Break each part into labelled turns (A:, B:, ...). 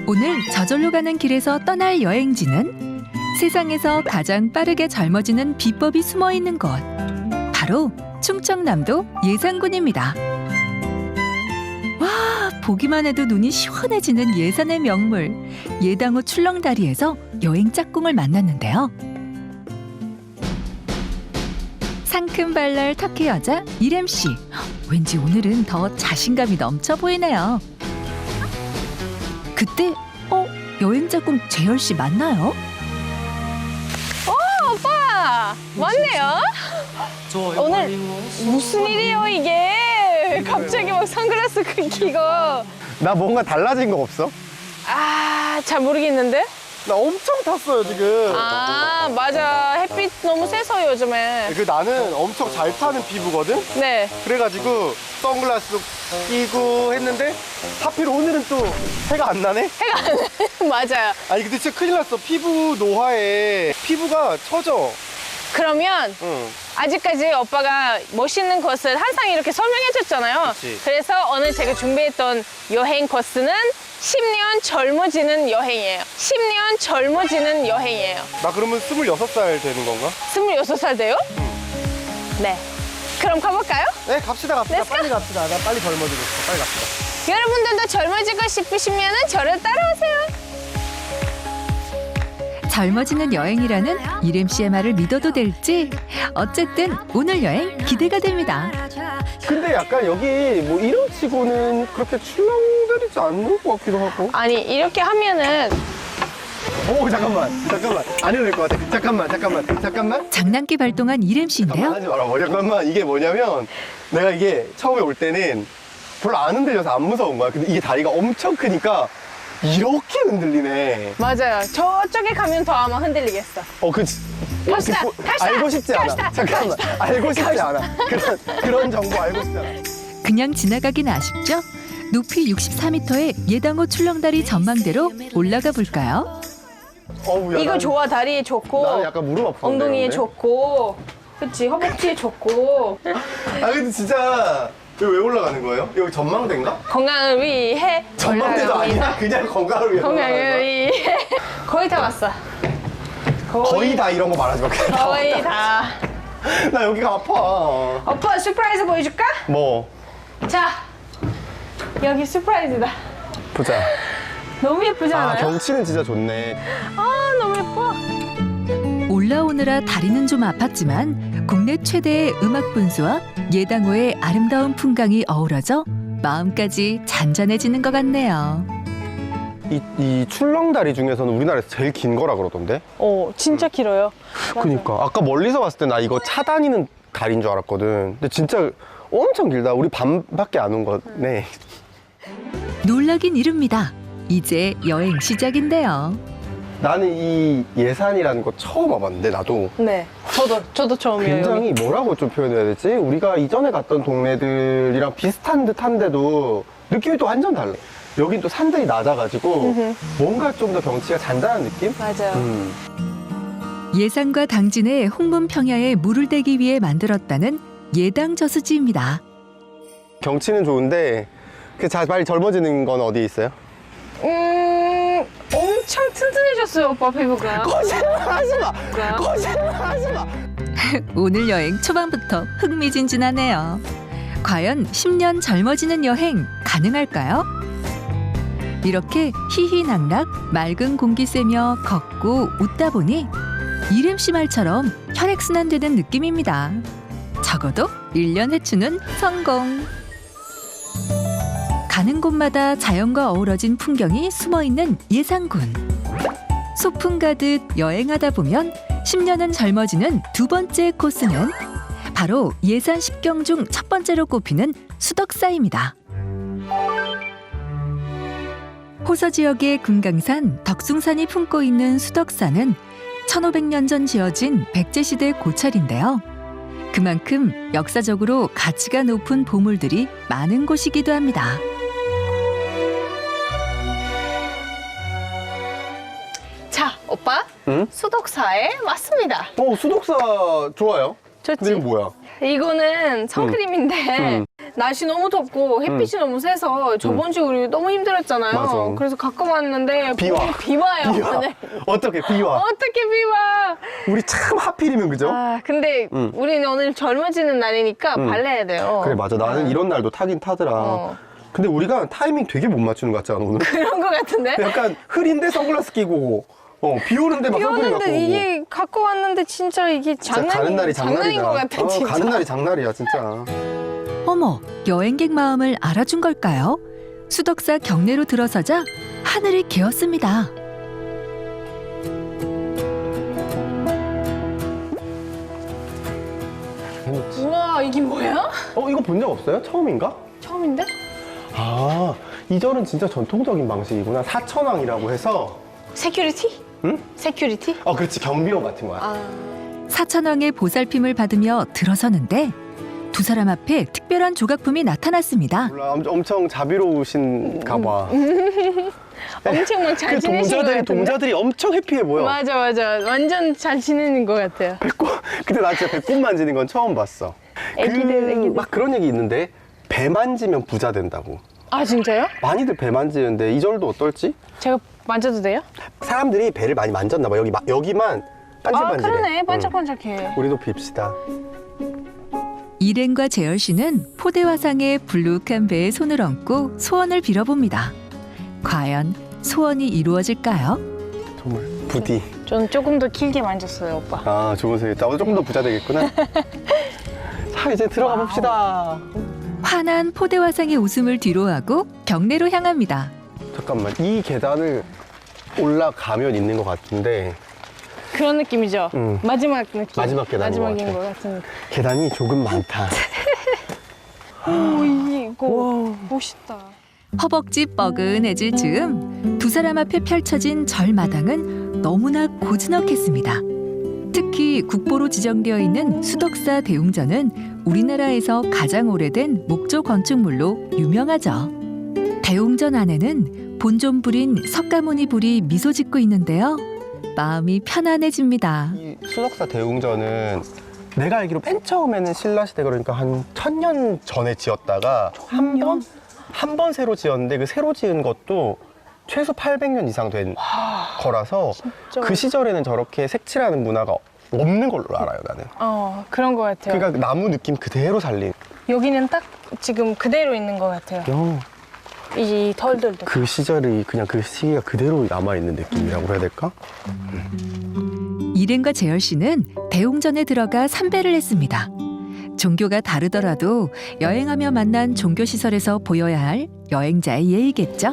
A: 오늘 저절로 가는 길에서 떠날 여행지는 세상에서 가장 빠르게 젊어지는 비법이 숨어 있는 곳. 바로 충청남도 예산군입니다. 와, 보기만 해도 눈이 시원해지는 예산의 명물 예당호 출렁다리에서 여행 짝꿍을 만났는데요. 상큼발랄 터키 여자 이렘 씨. 왠지 오늘은 더 자신감이 넘쳐 보이네요. 그때 여행 짝꿍 재열 씨 맞나요?
B: 오빠 왔네요. 오늘 무슨 일이에요 이게? 갑자기 막 선글라스 끼고.
C: 나 뭔가 달라진 거 없어?
B: 잘 모르겠는데.
C: 나 엄청 탔어요 지금.
B: 맞아, 햇빛 너무 세서 요즘에.
C: 나는 엄청 잘 타는 피부거든?
B: 네.
C: 그래가지고 선글라스 끼고 했는데 하필 오늘은 또 해가 안 나네?
B: 맞아요.
C: 아니 근데 진짜 큰일 났어. 피부 노화에 피부가 처져.
B: 그러면
C: 응.
B: 아직까지 오빠가 멋있는 코스를 항상 이렇게 설명해줬잖아요.
C: 그치.
B: 그래서 오늘 제가 준비했던 여행 코스는 10년 젊어지는 여행이에요. 10년 젊어지는 여행이에요.
C: 나 그러면 26살 되는 건가?
B: 26살 돼요? 네. 그럼 가볼까요?
C: 네 갑시다.
B: Let's go.
C: 빨리 갑시다. 나 빨리 젊어지고 싶어. 빨리 갑시다.
B: 여러분들도 젊어지고 싶으시면 저를 따라오세요.
A: 젊어지는 여행이라는 이렘 씨의 말을 믿어도 될지 어쨌든 오늘 여행 기대가 됩니다.
C: 근데 약간 여기 뭐 이런 치고는 그렇게 출렁다리지 않는 것 같기도 하고.
B: 아니, 이렇게 하면은
C: 오 잠깐만 안 해도 될 것 같아. 잠깐만
A: 장난기 발동한 이렘 씨인데요.
C: 하지 마라. 잠깐만 이게 뭐냐면 내가 이게 처음에 올 때는 별로 안 흔들려서 안 무서운 거야. 근데 이게 다리가 엄청 크니까 이렇게 흔들리네.
B: 맞아요. 저쪽에 가면 더 아마 흔들리겠어.
C: 그치.
B: 갑시다. 갑시다.
C: 알고 싶지 않아.
B: 갑시다.
C: 잠깐만. 알고 싶지 않아. 그런 정보 알고 싶지 않아.
A: 그냥 지나가긴 아쉽죠? 높이 64m의 예당호 출렁다리 전망대로 올라가 볼까요?
C: 야,
B: 이거 좋아. 다리에 좋고
C: 나는 약간 무릎 아파.
B: 엉덩이에 좋고 그치, 허벅지에 좋고.
C: 근데 진짜 여기 왜 올라가는 거예요? 여기 전망대인가?
B: 건강을 위해
C: 전망대도
B: 올라갑니다.
C: 아니야. 그냥 건강을 위해 올라가는
B: 건강을
C: 거야?
B: 위해. 거의 다 왔어.
C: 거의 다 이런 거 말하지 마.
B: 거의 다.
C: 나 여기가 아파.
B: 오빠 서프라이즈 보여줄까?
C: 뭐?
B: 자, 여기 서프라이즈다.
C: 보자.
B: 너무 예쁘지 않아요?
C: 경치는 진짜 좋네.
B: 너무 예뻐.
A: 올라오느라 다리는 좀 아팠지만 국내 최대의 음악 분수와 예당호의 아름다운 풍광이 어우러져 마음까지 잔잔해지는 것 같네요.
C: 이 출렁다리 중에서는 우리나라에서 제일 긴 거라 그러던데?
B: 진짜 길어요.
C: 그니까 아까 멀리서 봤을 때 나 이거 차 다니는 다리인 줄 알았거든. 근데 진짜 엄청 길다. 우리 반밖에 안 온 거네.
A: 놀라긴 이릅니다. 이제 여행 시작인데요.
C: 나는 이 예산이라는 거 처음 와봤는데 나도
B: 네. 저도 처음이에요.
C: 굉장히 뭐라고 좀 표현해야 되지? 우리가 이전에 갔던 동네들이랑 비슷한 듯한데도 느낌이 또 완전 달라. 여긴 또 산들이 낮아가지고 뭔가 좀 더 경치가 잔잔한 느낌?
B: 맞아요.
A: 예산과 당진의 홍문 평야에 물을 대기 위해 만들었다는 예당 저수지입니다.
C: 경치는 좋은데 빨리 젊어지는 건 어디에 있어요?
B: 엄청 튼튼해졌어요, 오빠 피부가.
C: 거짓말하지 마! 거짓말하지 마!
A: 오늘 여행 초반부터 흥미진진하네요. 과연 10년 젊어지는 여행 가능할까요? 이렇게 희희낙낙 맑은 공기 쐬며 걷고 웃다 보니 이렘 씨 말처럼 혈액순환되는 느낌입니다. 적어도 1년 해추는 성공! 가는 곳마다 자연과 어우러진 풍경이 숨어있는 예산군. 소풍 가듯 여행하다 보면 10년은 젊어지는 두 번째 코스는 바로 예산 10경 중 첫 번째로 꼽히는 수덕사입니다. 호서 지역의 금강산 덕숭산이 품고 있는 수덕사는 1500년 전 지어진 백제시대 고찰인데요. 그만큼 역사적으로 가치가 높은 보물들이 많은 곳이기도 합니다.
B: 자, 오빠.
C: 응?
B: 수덕사에 왔습니다.
C: 수독사 좋아요.
B: 좋지?
C: 근데 이거 뭐야?
B: 이거는 선크림인데 날씨 너무 덥고 햇빛이 너무 세서 저번 주에 우리 너무 힘들었잖아요.
C: 맞아.
B: 그래서 갖고 왔는데
C: 비 와.
B: 비 와요.
C: 비 와.
B: 오늘.
C: 어떻게 비 와?
B: 어떻게 비 와?
C: 우리 참 하필이면 그죠?
B: 아, 근데 우리는 오늘 젊어지는 날이니까 발라야 돼요.
C: 그래 맞아. 나는 이런 날도 타긴 타더라.
B: 어.
C: 근데 우리가 타이밍 되게 못 맞추는 것 같지 않아 오늘?
B: 그런 거 같은데?
C: 약간 흐린데 선글라스 끼고 비 오는데 막
B: 비
C: 선크림 갖고
B: 오는데
C: 오고.
B: 이게 갖고 왔는데 진짜 이게
C: 진짜 가는 날이
B: 장난인 것 같아, 진짜.
C: 가는 날이 장날이야 진짜.
A: 어머, 여행객 마음을 알아준 걸까요? 수덕사 경내로 들어서자 하늘이 개었습니다.
B: 우와, 이게 뭐야?
C: 이거 본 적 없어요? 처음인가?
B: 처음인데?
C: 아, 이 절은 진짜 전통적인 방식이구나. 사천왕이라고 해서.
B: 세큐리티?
C: 응?
B: 세큐리티?
C: 그렇지. 경비원 같은 거야.
B: 아,
A: 사천왕의 보살핌을 받으며 들어서는데 두 사람 앞에 특별한 조각품이 나타났습니다.
C: 몰라, 엄청 자비로우신가 봐.
B: 엄청 막 잘
C: 그
B: 지내신 것 같은데?
C: 동자들이 엄청 해피해 보여.
B: 맞아. 완전 잘 지내는 것 같아요.
C: 배꼽, 근데 나 진짜 배꼽 만지는 건 처음 봤어.
B: 애기들.
C: 막 그런 얘기 있는데, 배 만지면 부자 된다고.
B: 아, 진짜요?
C: 많이들 배 만지는데, 이 절도 어떨지?
B: 제가 만져도 돼요?
C: 사람들이 배를 많이 만졌나 봐. 여기만 반질반질해.
B: 아, 그러네.
C: 응.
B: 반짝반짝해.
C: 우리도 빕시다.
A: 일행과 재열 씨는 포대화상의 불룩한 배에 손을 얹고 소원을 빌어봅니다. 과연 소원이 이루어질까요?
C: 정말 부디.
B: 전 조금 더 길게 만졌어요, 오빠.
C: 아, 좋은 생각. 나도 조금 더 부자 되겠구나. 자, 이제 들어가 봅시다.
A: 환한 포대화상의 웃음을 뒤로하고 경내로 향합니다.
C: 잠깐만, 이 계단을 올라가면 있는 것 같은데
B: 그런 느낌이죠?
C: 응.
B: 마지막 느낌.
C: 마지막 계단인
B: 마지막인
C: 것
B: 것 같은.
C: 계단이 조금 많다.
B: 오, 이거 멋있다.
A: 허벅지 뻐근해질 즈음 두 사람 앞에 펼쳐진 절마당은 너무나 고즈넉했습니다. 특히 국보로 지정되어 있는 수덕사 대웅전은 우리나라에서 가장 오래된 목조 건축물로 유명하죠. 대웅전 안에는 본존불인 석가모니 불이 미소 짓고 있는데요. 마음이 편안해집니다.
C: 이 수덕사 대웅전은 내가 알기로 맨 처음에는 신라시대, 그러니까 한 1000년 전에 지었다가 한 번 새로 지었는데, 그 새로 지은 것도 최소 800년 이상 된 거라서
B: 진짜.
C: 그 시절에는 저렇게 색칠하는 문화가 없는 걸로 알아요, 나는.
B: 그런 것 같아요.
C: 그러니까 나무 느낌 그대로 살린.
B: 여기는 딱 지금 그대로 있는 것 같아요. 이 털들도.
C: 그 시절이 그냥 그 시기가 그대로 남아있는 느낌이라고 해야 될까?
A: 일행과 재열 씨는 대웅전에 들어가参배를 했습니다. 종교가 다르더라도 여행하며 만난 종교시설에서 보여야 할 여행자의 예의겠죠?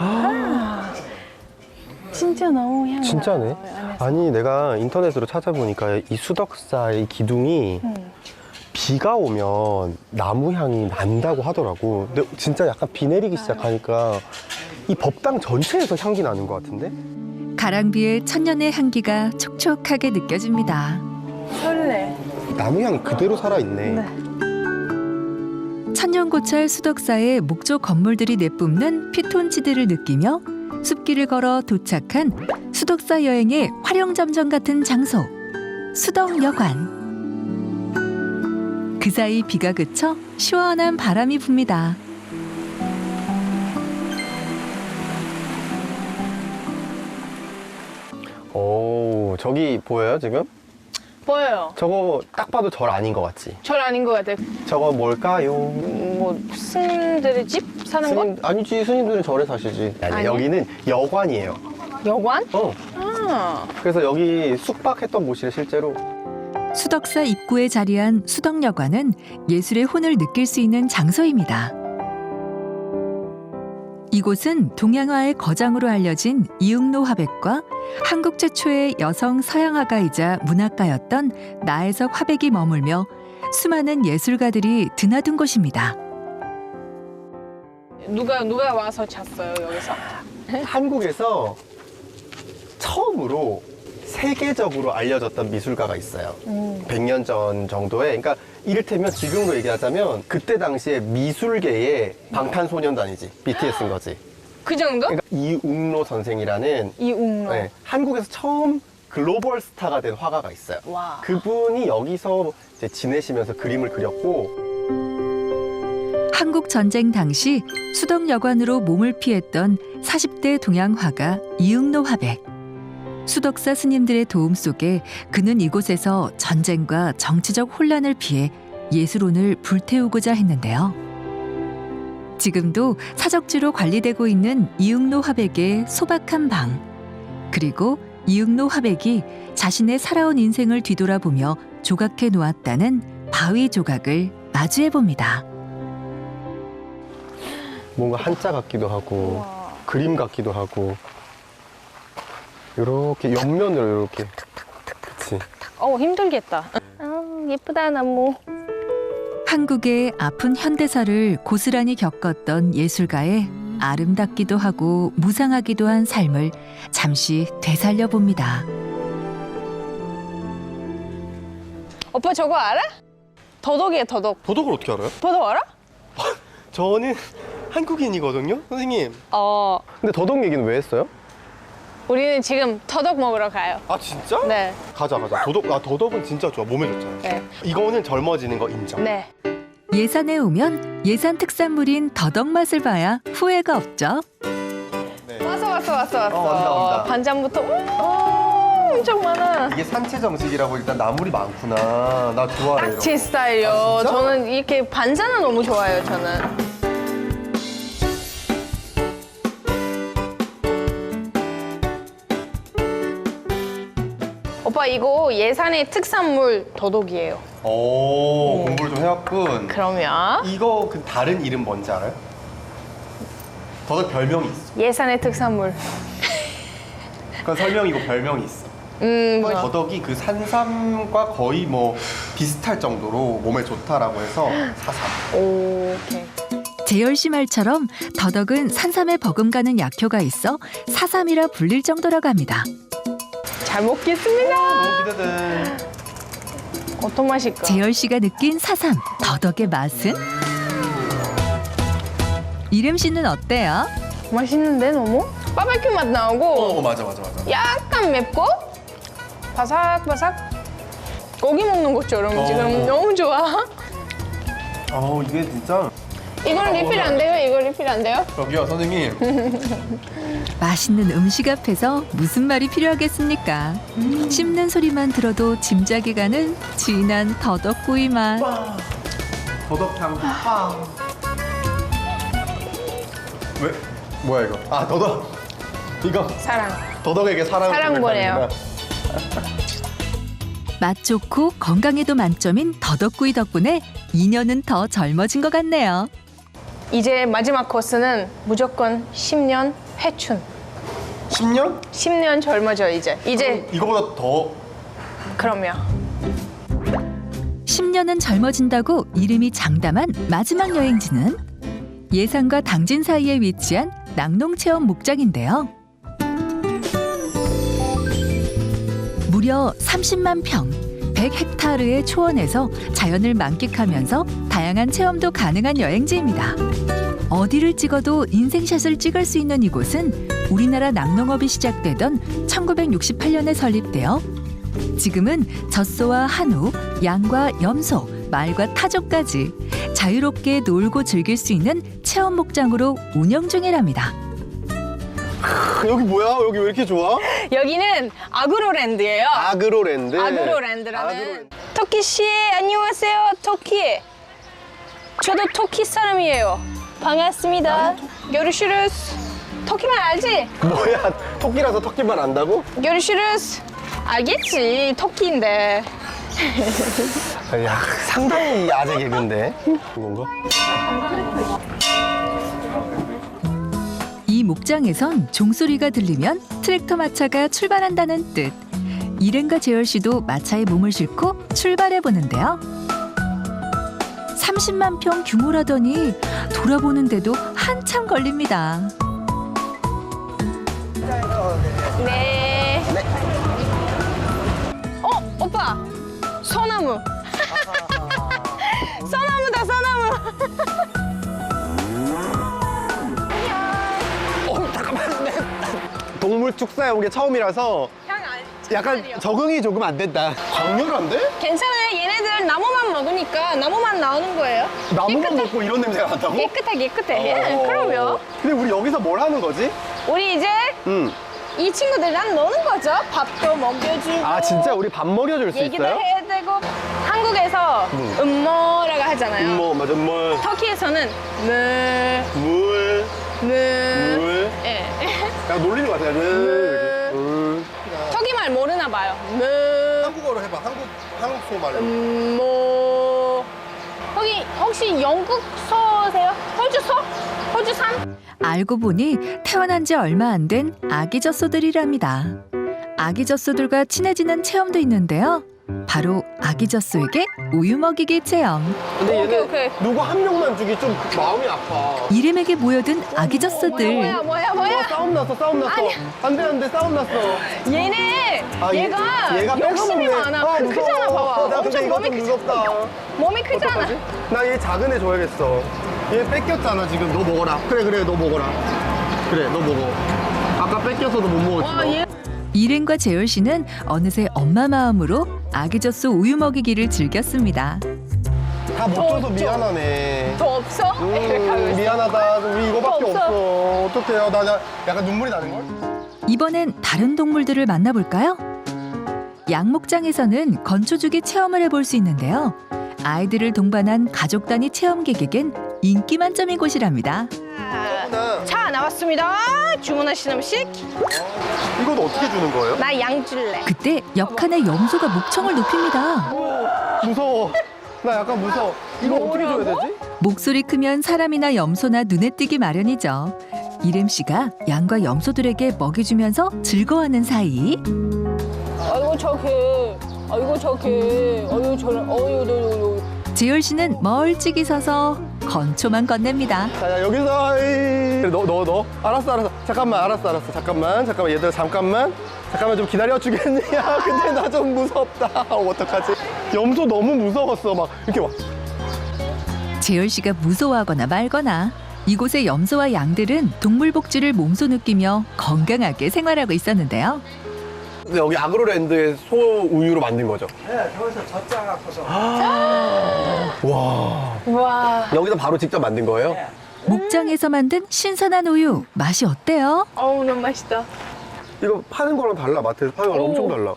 B: 진짜 너무 향나.
C: 진짜네. 아니, 내가 인터넷으로 찾아보니까 이 수덕사의 기둥이 비가 오면 나무 향이 난다고 하더라고. 근데 진짜 약간 비 내리기 시작하니까 이 법당 전체에서 향기 나는 것 같은데?
A: 가랑비의 천년의 향기가 촉촉하게 느껴집니다.
B: 설레.
C: 나무 향이 그대로 살아있네.
A: 천년고찰 수덕사의 목조 건물들이 내뿜는 피톤치드를 느끼며 숲길을 걸어 도착한 수덕사 여행의 화령점정 같은 장소, 수덕여관. 그 사이 비가 그쳐 시원한 바람이 붑니다.
C: 오, 저기 보여요, 지금?
B: 보여요.
C: 저거 딱 봐도 절 아닌 것 같지?
B: 절 아닌 것 같아요.
C: 저거 뭘까요?
B: 뭐 스님들의 집 사는 곳?
C: 아니지, 스님들은 절에 사시지. 아니,
B: 아니야?
C: 여기는 여관이에요.
B: 여관?
C: 아. 그래서 여기 숙박했던 곳이래, 실제로.
A: 수덕사 입구에 자리한 수덕여관은 예술의 혼을 느낄 수 있는 장소입니다. 이곳은 동양화의 거장으로 알려진 이응로 화백과 한국 최초의 여성 서양화가이자 문학가였던 나혜석 화백이 머물며 수많은 예술가들이 드나든 곳입니다.
B: 누가 와서 잤어요, 여기서?
C: 한국에서 처음으로 세계적으로 알려졌던 미술가가 있어요. 100년 전 정도에. 그러니까 이를테면 지금으로 얘기하자면 그때 당시에 미술계의 방탄소년단이지. BTS인 거지.
B: 그 정도?
C: 그러니까 이웅로 선생이라는
B: 이웅로.
C: 네, 한국에서 처음 글로벌 스타가 된 화가가 있어요.
B: 와.
C: 그분이 여기서 이제 지내시면서 그림을 그렸고
A: 한국 전쟁 당시 수덕 여관으로 몸을 피했던 40대 동양 화가 이응노 화백. 수덕사 스님들의 도움 속에 그는 이곳에서 전쟁과 정치적 혼란을 피해 예술혼을 불태우고자 했는데요. 지금도 사적지로 관리되고 있는 이응노 화백의 소박한 방, 그리고 이응노 화백이 자신의 살아온 인생을 뒤돌아보며 조각해 놓았다는 바위 조각을 마주해 봅니다.
C: 뭔가 한자 같기도 하고
B: 와.
C: 그림 같기도 하고 이렇게 옆면으로 이렇게 그치.
B: 힘들겠다. 예쁘다 나무.
A: 한국의 아픈 현대사를 고스란히 겪었던 예술가의 아름답기도 하고 무상하기도 한 삶을 잠시 되살려 봅니다.
B: 오빠 저거 알아? 더덕이에요, 더덕.
C: 도덕을 어떻게 알아요?
B: 더덕 알아?
C: 저는 한국인이거든요, 선생님.
B: 어,
C: 근데 더덕 얘기는 왜 했어요?
B: 우리는 지금 더덕 먹으러 가요.
C: 아 진짜?
B: 네,
C: 가자. 더덕은 진짜 좋아. 몸에 좋잖아요.
B: 네,
C: 이거는 젊어지는 거 인정.
B: 네.
A: 예산에 오면 예산 특산물인 더덕 맛을 봐야 후회가 없죠.
C: 네.
B: 왔어.
C: 온다.
B: 반찬부터 엄청 많아.
C: 이게 산채 정식이라고 일단 나물이 많구나. 나 좋아해. 이런
B: 제
C: 거.
B: 스타일이요.
C: 아, 진짜?
B: 저는 이렇게 반찬은 너무 좋아해요, 저는. 오빠 이거 예산의 특산물 더덕이에요.
C: 오, 공부를 좀 해왔군.
B: 그러면
C: 이거 그 다른 이름 뭔지 알아요? 더덕 별명이 있어.
B: 예산의 특산물.
C: 그건 설명이고 별명이 있어.
B: 뭐야?
C: 더덕이 그 산삼과 거의 뭐 비슷할 정도로 몸에 좋다라고 해서 사삼.
B: 오케이.
A: 재열 씨 말처럼 더덕은 산삼에 버금가는 약효가 있어 사삼이라 불릴 정도라고 합니다.
B: 잘 먹겠습니다.
C: 너무 기대돼.
B: 어떤 맛일까?
A: 재열 씨가 느낀 사삼, 더덕의 맛은? 이름 씨는 어때요?
B: 맛있는데 너무? 바베큐 맛 나오고
C: 맞아.
B: 약간 맵고 바삭바삭 고기 먹는 것처럼 지금 너무 좋아.
C: 이게 진짜.
B: 이건 리필 안 돼요? 이거 리필 안 돼요?
C: 여기요, 선생님.
A: 맛있는 음식 앞에서 무슨 말이 필요하겠습니까? 씹는 소리만 들어도 짐작이 가는 진한 더덕구이 맛.
C: 더덕향 빵. 왜? 뭐야 이거? 아, 더덕. 이거
B: 사랑.
C: 더덕에게 사랑
B: 보내요.
A: 맛 좋고 건강에도 만점인 더덕구이 덕분에 인연은 더 젊어진 것 같네요.
B: 이제 마지막 코스는 무조건 10년 회춘.
C: 10년?
B: 10년 젊어져 이제.
C: 이거보다 더.
B: 그러면
A: 10년은 젊어진다고 이름이 장담한 마지막 여행지는 예산과 당진 사이에 위치한 낙농체험 목장인데요. 무려 30만 평, 100헥타르의 초원에서 자연을 만끽하면서 다양한 체험도 가능한 여행지입니다. 어디를 찍어도 인생샷을 찍을 수 있는 이곳은 우리나라 낙농업이 시작되던 1968년에 설립되어 지금은 젖소와 한우, 양과 염소, 말과 타조까지 자유롭게 놀고 즐길 수 있는 체험 목장으로 운영 중이랍니다.
C: 여기 뭐야? 여기 왜 이렇게 좋아?
B: 여기는 아그로랜드예요.
C: 아그로랜드.
B: 아그로랜드라는. 터키 씨 안녕하세요. 터키. 저도 터키 사람이에요. 반갑습니다. görüşürüz. 터키말 알지?
C: 뭐야? 토끼라서 토끼만 안다고?
B: görüşürüz. 알겠지. 터키인데.
C: 야, 상당히 아재 개그인데. 이건가?
A: 이 목장에선 종소리가 들리면 트랙터 마차가 출발한다는 뜻. 일행과 재열 씨도 마차에 몸을 싣고 출발해 보는데요. 30만 평 규모라더니 돌아보는데도 한참 걸립니다.
B: 네. 오빠. 소나무. 소나무다, 소나무.
C: 잠깐만. 동물 축사에 온 게 처음이라서 약간 적응이 조금 안 된다. 강렬한데?
B: 괜찮아요. 얘네들 나무만 먹으니까 나무만 나오는 거예요.
C: 나무만 먹고 이런 냄새가 난다고?
B: 깨끗해. 예, 그럼요.
C: 근데 우리 여기서 뭘 하는 거지?
B: 우리 이제 이 친구들이랑 노는 거죠. 밥도 먹여주고.
C: 아 진짜 우리 밥 먹여줄 수
B: 얘기도
C: 있어요?
B: 해야 되고. 한국에서 음모라고 하잖아요.
C: 맞아 물.
B: 터키에서는 물.
C: 물.
B: 예.
C: 야 놀리는 거 같아. 물.
B: 터키말 모르나 봐요. 물.
C: 한국어로 해봐. 한국 소말로.
B: 뭐. 거기 혹시 영국 서세요? 호주산?
A: 알고 보니 태어난 지 얼마 안 된 아기 젖소들이랍니다. 아기 젖소들과 친해지는 체험도 있는데요. 바로 아기 젖소에게 우유 먹이기 체험.
C: 근데 얘네
B: 오케이.
C: 누구 한 명만 주기 좀 마음이 아파.
A: 이름에게 모여든 아기 젖소들.
B: 뭐야?
C: 싸움 났어. 안돼 싸움 났어.
B: 얘네
C: 아,
B: 얘가 욕심이
C: 뺏어먹네.
B: 많아. 크잖아, 봐봐.
C: 나 근데
B: 엄청
C: 이거
B: 몸이
C: 좀
B: 크잖아.
C: 무섭다.
B: 몸이 크잖아.
C: 어떡하지? 나 얘 작은 애 줘야겠어. 얘 뺏겼잖아 지금. 너 먹어라. 그래 너 먹어라. 그래 너 먹어. 아까 뺏겨서도 못 먹었지.
B: 와,
C: 너.
B: 얘
A: 이ren과 재열 씨는 어느새 엄마 마음으로 아기 젖소 우유 먹이기를 즐겼습니다.
C: 다 못 줘서 미안하네.
B: 더 없어? 이렇게 하고 있어.
C: 미안하다. 우리 이거밖에
B: 없어.
C: 없어. 어떡해요. 나 약간 눈물이 나는 걸?
A: 이번엔 다른 동물들을 만나볼까요? 양목장에서는 건초주기 체험을 해볼 수 있는데요. 아이들을 동반한 가족 단위 체험객에겐 인기 만점인 곳이랍니다.
B: 자, 나왔습니다. 주문하신 음식.
C: 이건 어떻게 주는 거예요?
B: 나 양 줄래.
A: 그때 옆칸에 염소가 목청을 높입니다.
C: 무서워. 나 약간 무서워. 이거 어떻게 줘야 되지?
A: 목소리 크면 사람이나 염소나 눈에 띄기 마련이죠. 이름 씨가 양과 염소들에게 먹여주면서 즐거워하는 사이
B: 아이고 저게. 어유.
A: 재열 씨는 멀찍이 서서 건초만 건넵니다.
C: 자, 여기서 너 알았어 잠깐만 알았어 잠깐만 얘들아 잠깐만 좀 기다려 주겠니? 야 근데 나 좀 무섭다. 어떡하지? 염소 너무 무서웠어. 막 이렇게 막
A: 재열 씨가 무서워하거나 말거나 이곳의 염소와 양들은 동물 복지를 몸소 느끼며 건강하게 생활하고 있었는데요.
C: 여기 아그로랜드의 소 우유로 만든 거죠?
D: 네, 저기서 젖자 갖고서
B: 와.
C: 여기서 바로 직접 만든 거예요?
A: 목장에서 만든 신선한 우유 맛이 어때요?
B: 어우, 너무 맛있다.
C: 이거 파는 거랑 달라. 마트에서 파는 거랑 엄청 달라.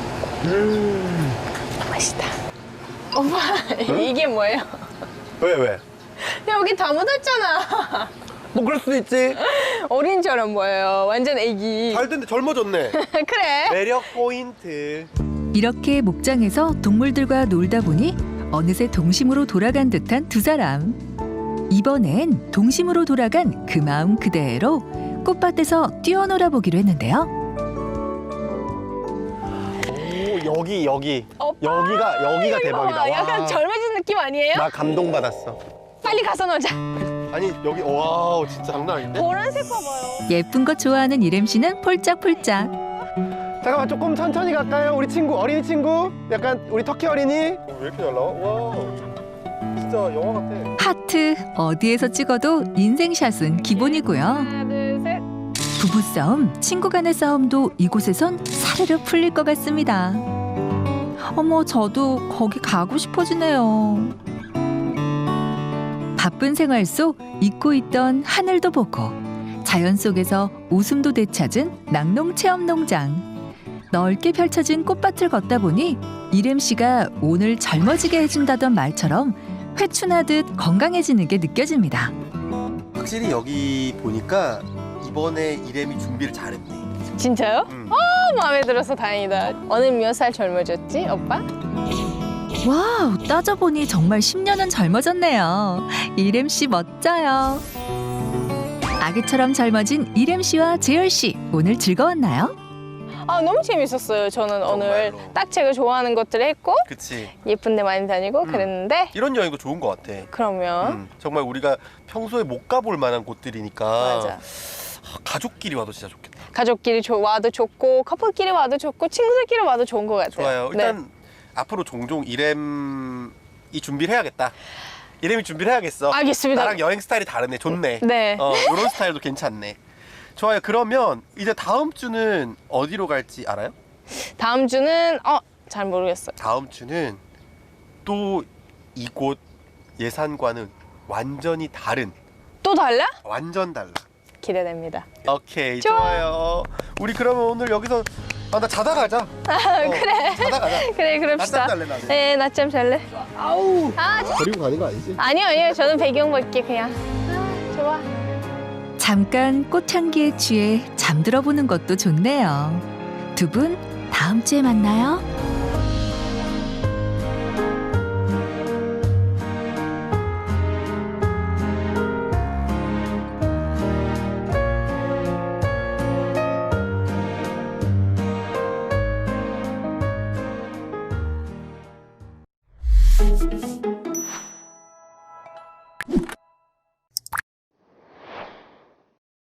B: 맛있다. 오빠, 이게 뭐예요?
C: 왜?
B: 여기 다 묻었잖아.
C: 뭐 그럴 수도 있지.
B: 어린처럼 보여요. 완전 애기.
C: 잘 됐는데 젊어졌네.
B: 그래.
C: 매력 포인트.
A: 이렇게 목장에서 동물들과 놀다 보니 어느새 동심으로 돌아간 듯한 두 사람. 이번엔 동심으로 돌아간 그 마음 그대로 꽃밭에서 뛰어놀아 보기로 했는데요.
C: 오 여기
B: 오빠,
C: 여기가
B: 이거
C: 대박이다.
B: 봐. 약간
C: 와.
B: 젊어진 느낌 아니에요?
C: 나 감동받았어.
B: 빨리 가서 놀자.
C: 아니 여기 와우 진짜 장난 아닌데?
B: 보라색 봐봐요.
A: 예쁜 것 좋아하는 이름 씨는 폴짝폴짝.
C: 잠깐만 조금 천천히 갈까요? 우리 친구 어린이 친구? 약간 우리 터키 어린이? 왜 이렇게 잘 나와? 와 진짜 영화 같아.
A: 하트 어디에서 찍어도 인생샷은 기본이고요.
B: 하나, 둘, 셋.
A: 부부싸움, 친구 간의 싸움도 이곳에선 사르르 풀릴 것 같습니다. 어머, 저도 거기 가고 싶어지네요. 바쁜 생활 속 잊고 있던 하늘도 보고 자연 속에서 웃음도 되찾은 낙농체험농장. 넓게 펼쳐진 꽃밭을 걷다 보니 이름 씨가 오늘 젊어지게 해준다던 말처럼 회춘하듯 건강해지는 게 느껴집니다.
C: 확실히 여기 보니까 이번에 이렘이 준비를 잘했네.
B: 진짜요? 마음에 들어서 다행이다. 어느 몇 살 젊어졌지, 오빠?
A: 와우, 따져보니 정말 10년은 젊어졌네요. 이름 씨 멋져요. 아기처럼 젊어진 이름 씨와 재열 씨, 오늘 즐거웠나요?
B: 아, 너무 재밌었어요. 저는 오늘
C: 정말로.
B: 딱 제가 좋아하는 것들을 했고
C: 그치.
B: 예쁜 데 많이 다니고 그랬는데
C: 이런 여행도 좋은 것 같아.
B: 그러면
C: 정말 우리가 평소에 못 가볼 만한 곳들이니까
B: 맞아.
C: 가족끼리 와도 진짜 좋겠다.
B: 가족끼리 와도 좋고 커플끼리 와도 좋고 친구들끼리 와도 좋은 것 같아요.
C: 좋아요.
B: 네.
C: 일단 앞으로 종종 이렘이 준비를 해야겠다. 이렘이 준비를 해야겠어.
B: 알겠습니다.
C: 나랑 여행 스타일이 다르네. 좋네.
B: 네.
C: 이런 스타일도 괜찮네. 좋아요. 그러면 이제 다음 주는 어디로 갈지 알아요?
B: 다음 주는 잘 모르겠어요.
C: 다음 주는 또 이곳 예산과는 완전히 다른,
B: 또 달라?
C: 완전 달라.
B: 기대됩니다.
C: 오케이, 좋아요. 우리 그러면 오늘 여기서 나 자다 가자.
B: 그래.
C: 자다 가자.
B: 그래, 그럽시다.
C: 낮잠 잘래, 나는.
B: 네, 낮잠 잘래.
C: 아우.
B: 아,
C: 버리고 가는 거 아니지?
B: 아니요. 저는 배경 볼게 그냥. 좋아.
A: 잠깐 꽃향기에 취해 잠들어 보는 것도 좋네요. 두 분 다음 주에 만나요.